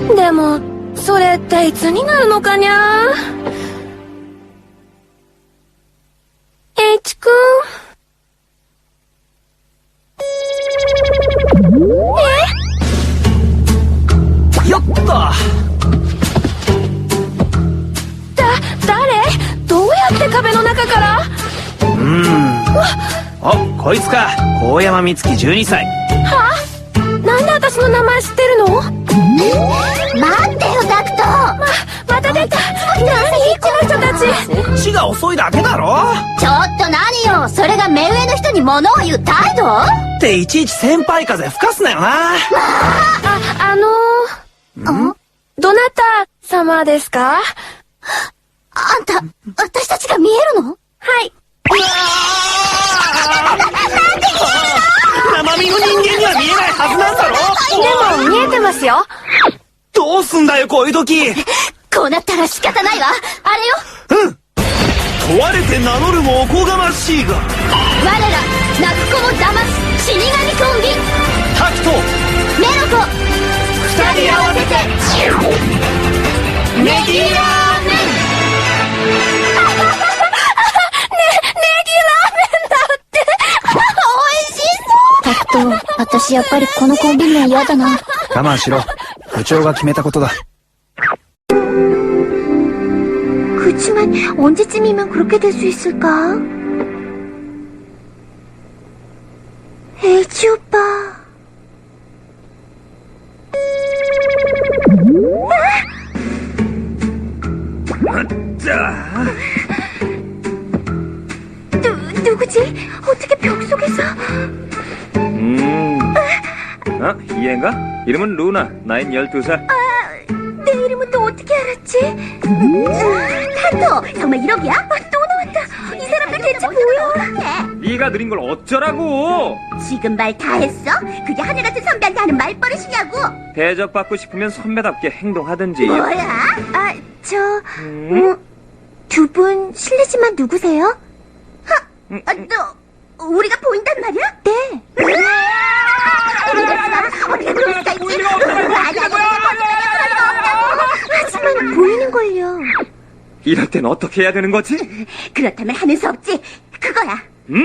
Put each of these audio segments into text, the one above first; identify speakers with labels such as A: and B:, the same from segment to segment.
A: でも、それっていつになるのかにゃ。H 君。
B: よっと。
A: 誰？どうやって壁の中から？
B: お、こいつか。高山美月12歳。
A: は？なんで私の名前知ってるの？
C: 待ってよ、タクト。
A: また出た。何この人たち。
B: そっちが遅いだけだろ。
C: ちょっと何よ、それが目上の人に物を言う態度？
B: っていちいち先輩風吹かすなよな。
A: どなた様ですか？
C: あんた、私たちが見えるの？
A: はい。
B: 生身の人間には見えないはずなんだろ。
A: でも見えてますよ。
B: どうすんだよこういう時。
C: こうなったら仕方ないわ。あれよ。
B: 問われて名乗るもおこがましいが、我ら
C: 泣く子も騙す死神コンビ、
B: タクト
C: メロコ、
B: 二人合わせてネギラーメン。
C: タクト、私やっぱりこのコンビ名嫌だな。
D: 我慢しろ。部長が決めたことだ。
C: 그치만 언제쯤이면 그렇게 될 수 있을까? H 오빠. 누구지? 어떻게 벽 속에서?
E: 이 애인가? 이름은 루나, 나인 12살.
C: 내 이름은 또 어떻게 알았지? 타토, 정말 1억이야? 또 나왔다. 이 사람들 대체 뭐야?
E: 네가 느린 걸 어쩌라고?
C: 지금 말 다 했어? 그게 하늘같은 선배한테 하는 말버릇이냐고?
E: 대접받고 싶으면 선배답게 행동하든지.
C: 뭐야? 두 분 실례지만 누구세요? 너 우리가 보인단 말이야? 네. 어디가 그럴 수가 있지? 하지만 보이는걸요.
E: 이럴 땐 어떻게 해야 되는 거지?
C: 그렇다면 하는 수 없지. 그거야.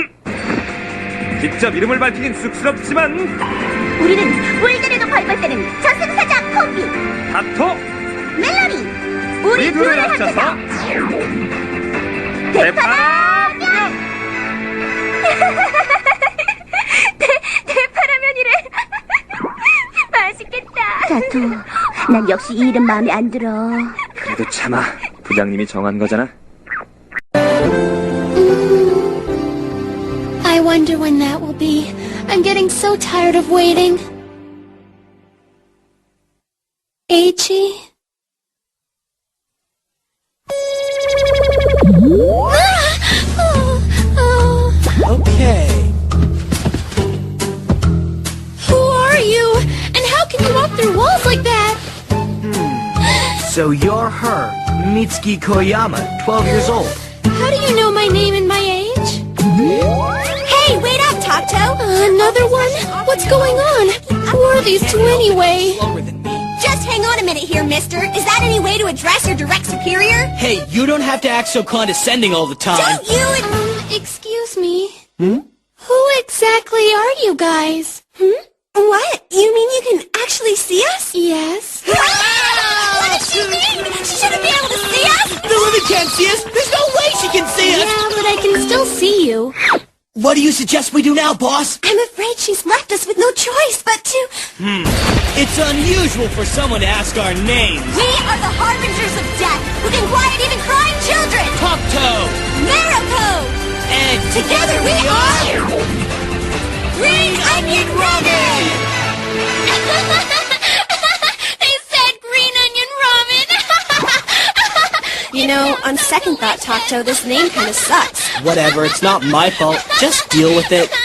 E: 직접 이름을 밝히긴 쑥스럽지만
C: 우리는 물들에도 벌벌 때는 저승사자 콤비
E: 타토,
C: 멜로디. 우리 둘을 합쳐서 대파라면. 대파라면이래. 맛있겠다. 타토, 난 역시 이 이름 마음에 안 들어.
E: 그래도 참아. 부장님이 정한 거잖아.
A: I wonder when that will be. I'm getting so tired of waiting. H.E.
B: Okay.
A: Who are you? And how can you walk through walls like that?
B: So you're her, Mitsuki Koyama, 12 years old.
A: How do you know my name and my age? Hey, wait up, Tato! Another one? What's going on? Who are these two anyway?
F: Just hang on a minute here, mister. Is that any way to address your direct superior?
G: Hey, you don't have to act so condescending all the time.
F: Don't you...
A: Excuse me. Who exactly are you guys?
F: What? You mean you can actually see us?
A: Yes.
F: What does she mean? She shouldn't be able to see us?
G: The woman can't see us. There's no way she can see us.
A: Yeah, but I can still see you.
G: What do you suggest we do now, boss?
F: I'm afraid she's left us with no choice but to...
G: It's unusual for someone to ask our names.
F: We are the harbingers of death who can quiet even crying children.
G: Topto.
F: Mariko!
G: And
F: Together we are... Green Onion Ramen!
A: They said green onion ramen.
F: You know, on second thought, Tato, this name kind of sucks.
G: whatever, it's not my fault. Just deal with it.